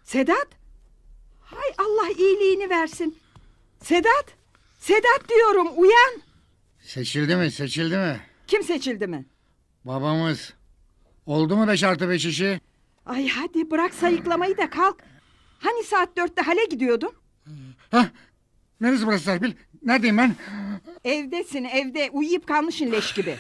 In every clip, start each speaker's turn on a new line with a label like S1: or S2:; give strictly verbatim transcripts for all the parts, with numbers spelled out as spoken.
S1: Sedat? Hay Allah iyiliğini versin. Sedat! Sedat diyorum, uyan!
S2: Seçildi mi seçildi mi?
S1: Kim seçildi mi?
S2: Babamız. Oldu mu beş artı beş işi?
S1: Ay hadi bırak sayıklamayı da kalk. Hani saat dörtte hale gidiyordun?
S2: Hah, neresi burası Serpil? Neredeyim ben?
S1: Evdesin evde, uyuyup kalmışsın leş gibi.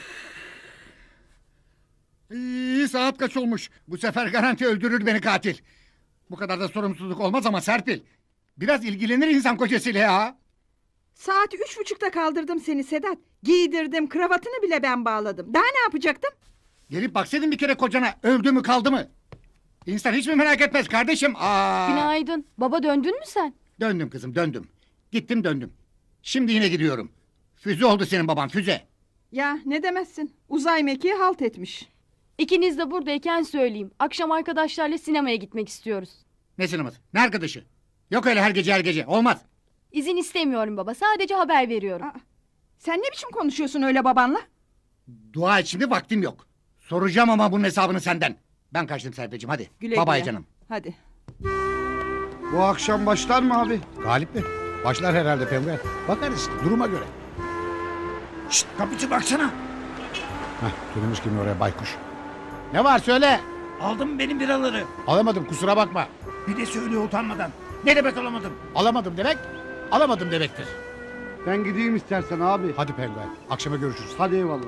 S2: İyi, saat kaç olmuş? Bu sefer garanti öldürür beni katil. Bu kadar da sorumsuzluk olmaz ama Serpil. Biraz ilgilenir insan kocasıyla ya.
S1: Saat üç buçukta kaldırdım seni Sedat. Giydirdim, kravatını bile ben bağladım. Daha ne yapacaktım?
S2: Gelip baksaydın bir kere kocana, öldü mü kaldı mı? İnsan hiç mi merak etmez kardeşim? Aa.
S3: Günaydın. Baba döndün mü sen?
S2: Döndüm kızım döndüm. Gittim döndüm. Şimdi yine gidiyorum. Füze oldu senin baban, füze.
S1: Ya ne demezsin, uzay mekiği halt etmiş.
S3: İkiniz de buradayken söyleyeyim. Akşam arkadaşlarla sinemaya gitmek istiyoruz.
S2: Ne sineması? Ne arkadaşı? Yok öyle her gece her gece. Olmaz.
S3: İzin istemiyorum baba. Sadece haber veriyorum.
S1: Aa, sen ne biçim konuşuyorsun öyle babanla?
S2: Dua et şimdi, vaktim yok. Soracağım ama bunun hesabını senden. Ben kaçtım Serpil'ciğim, hadi.
S1: Güle
S2: Babay
S1: güle.
S2: canım.
S1: Hadi.
S4: Bu akşam başlar mı abi?
S5: Galip mi? Başlar herhalde penguen. Bakarız duruma göre.
S2: Şşt, kapıcı baksana.
S5: Heh, dönmüş kimi oraya baykuş. Ne var söyle.
S6: Aldım benim biraları.
S5: Alamadım kusura bakma.
S6: Bir de söylüyor utanmadan. Ne demek alamadım?
S5: Alamadım demek, alamadım demektir.
S4: Ben gideyim istersen abi.
S5: Hadi penguen, akşama görüşürüz.
S4: Hadi eyvallah.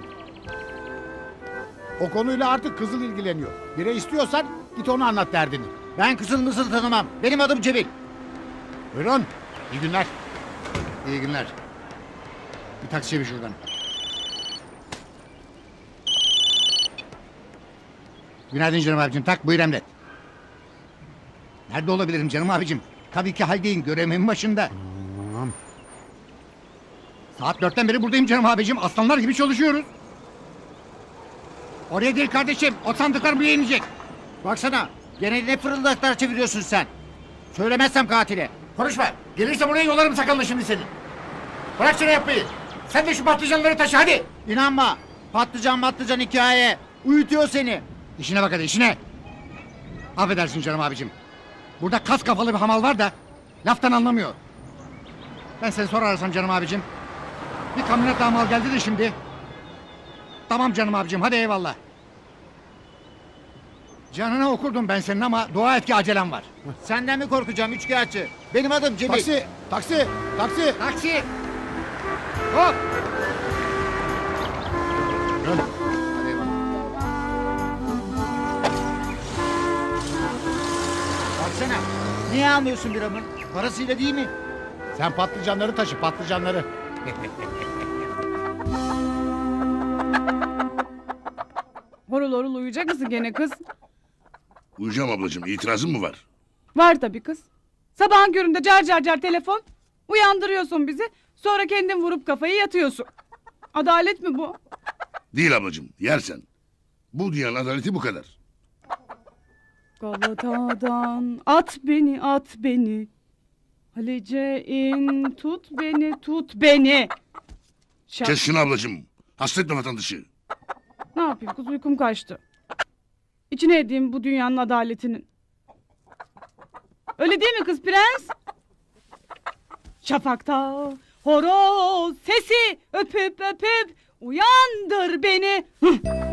S5: O konuyla artık Kızıl ilgileniyor. Bire istiyorsan git onu anlat derdini.
S2: Ben kızıl mısıl tanımam. Benim adım Cemil.
S5: Buyurun, iyi günler.
S2: İyi günler. Bir taksiye bir şuradan. Günaydın canım abicim. Tak buyur emret. Nerede olabilirim canım abicim? Tabii ki haldeyim. Görevimin başında.
S5: Tamam.
S2: Saat dörtten beri buradayım canım abicim. Aslanlar gibi çalışıyoruz. Oraya değil kardeşim. O sandıklar buraya inecek.
S6: Baksana. Gene ne fırıldaklar çeviriyorsun sen? Söylemezsem katile.
S2: Konuşma. Gelirse buraya yolarım sakalını şimdi senin. Bırak şunu yapmayı. Sen de şu patlıcanları taşı hadi.
S6: İnanma. Patlıcan patlıcan hikaye. Uyutuyor seni.
S2: İşine bak hadi işine. Affedersin canım abicim. Burada kas kafalı bir hamal var da laftan anlamıyor. Ben seni sonra arasam canım abicim. Bir kamyonet daha mal geldi de şimdi. Tamam canım abicim hadi eyvallah. Canına okurdum ben senin ama dua et ki acelem var.
S6: Senden mi korkacağım üçkağıtçı? Benim adım Cemil.
S5: Taksi, taksi, taksi.
S2: Taksi. Hop.
S5: Dön.
S2: Hadi eyvallah.
S6: Baksana. Niye almıyorsun biramın? Parasıyla değil mi?
S5: Sen patlıcanları taşı, patlıcanları.
S7: Horul horul uyuyacak mısın gene kız?
S8: Uyuyacağım ablacığım. İtirazın mı var?
S7: Var tabii kız. Sabahın köründe car car car telefon. Uyandırıyorsun bizi. Sonra kendin vurup kafayı yatıyorsun. Adalet mi bu?
S8: Değil ablacığım. Yersen. Bu dünyanın adaleti bu kadar.
S7: Galata'dan at beni at beni. Halice in tut beni tut beni. Şak.
S8: Kes şunu ablacığım. Hasretme vatandaşı.
S7: Ne yapayım kız uykum kaçtı. İçine edeyim bu dünyanın adaletinin. Öyle değil mi kız prens? Şafakta horoz sesi öpüp öpüp uyandır beni. Hıh.